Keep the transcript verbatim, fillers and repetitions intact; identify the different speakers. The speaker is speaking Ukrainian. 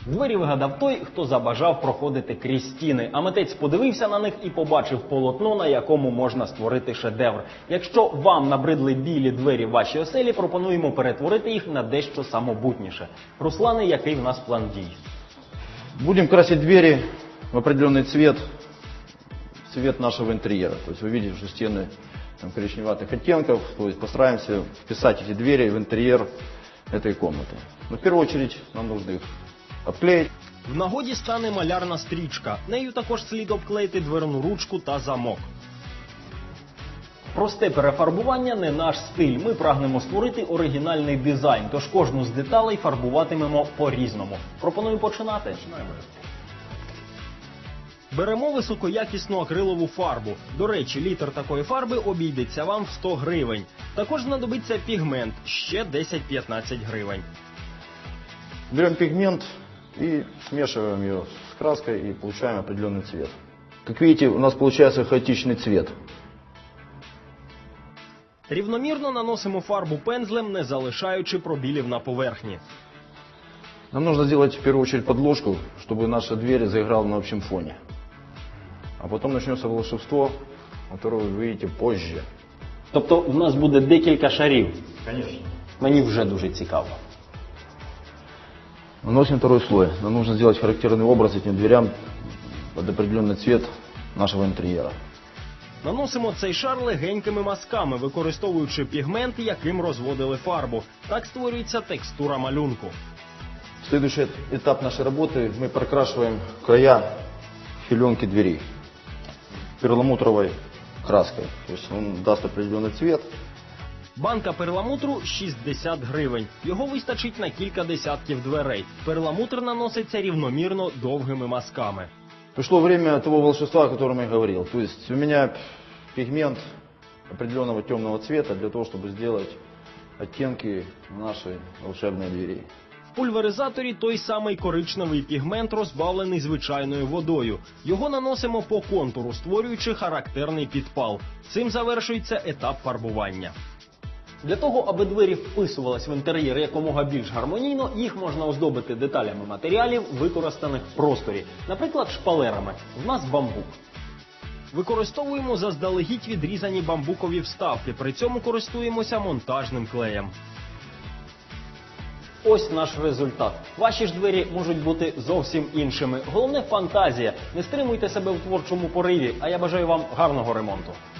Speaker 1: Двері вигадав той, хто забажав проходити крізь стіни, а митець подивився на них і побачив полотно, на якому можна створити шедевр. Якщо вам набридли білі двері в вашій оселі, пропонуємо перетворити їх на дещо самобутніше. Руслане, який в нас план дій?
Speaker 2: Будем красить двери в определенный цвет, цвет нашего интерьера. То есть вы видите, что стены там, коричневатых оттенков, то есть постараемся вписать эти двери в интерьер этой комнаты. Но в первую очередь нам нужно их обклеить.
Speaker 1: В нагоді стане малярна стрічка. Нею також слід обклеїти дверну ручку та замок. Просте перефарбування не наш стиль. Ми прагнемо створити оригінальний дизайн, тож кожну з деталей фарбуватимемо по-різному. Пропоную починати. Починаємо. Беремо високоякісну акрилову фарбу. До речі, літр такої фарби обійдеться вам в сто гривень. Також знадобиться пігмент, ще десять-п'ятнадцять гривень.
Speaker 2: Берем пигмент и смешиваем ее с краской и получаем определенный цвет. Как видите, у нас получается хаотичный цвет.
Speaker 1: Рівномірно наносимо фарбу пензлем, не залишаючи пробілів на поверхні.
Speaker 2: Нам нужно сделать в первую очередь подложку, чтобы наша дверь заиграла на общем фоне. А потом начнется волшебство, которое вы увидите позже.
Speaker 1: Тобто в нас буде декілька шарів?
Speaker 2: Конечно.
Speaker 1: Мені вже дуже цікаво.
Speaker 2: Наносим второй слой. Нам нужно сделать характерный образ этим дверям под определенный цвет нашего интерьера.
Speaker 1: Наносимо цей шар легенькими мазками, використовуючи пігмент, яким розводили фарбу. Так створюється текстура малюнку.
Speaker 2: Следующий этап нашей работы – мы прокрашиваем края филенки дверей перламутровой краской. То есть он даст определенный цвет.
Speaker 1: Банка перламутру шістдесят гривень. Його вистачить на кілька десятків дверей. Перламутр наноситься рівномірно довгими мазками.
Speaker 2: Пришло время того волшебства, о котором я говорил. То есть у меня пигмент определенного темного цвета для того, чтобы сделать оттенки нашей волшебной двери.
Speaker 1: В пульверизаторі той самий коричневий пігмент, розбавлений звичайною водою. Його наносимо по контуру, створюючи характерний підпал. Цим завершується етап фарбування. Для того, аби двері вписувались в інтер'єр якомога більш гармонійно, їх можна оздобити деталями матеріалів, використаних в просторі. Наприклад, шпалерами. В нас бамбук. Використовуємо заздалегідь відрізані бамбукові вставки, при цьому користуємося монтажним клеєм. Ось наш результат. Ваші ж двері можуть бути зовсім іншими. Головне – фантазія. Не стримуйте себе в творчому пориві, а я бажаю вам гарного ремонту.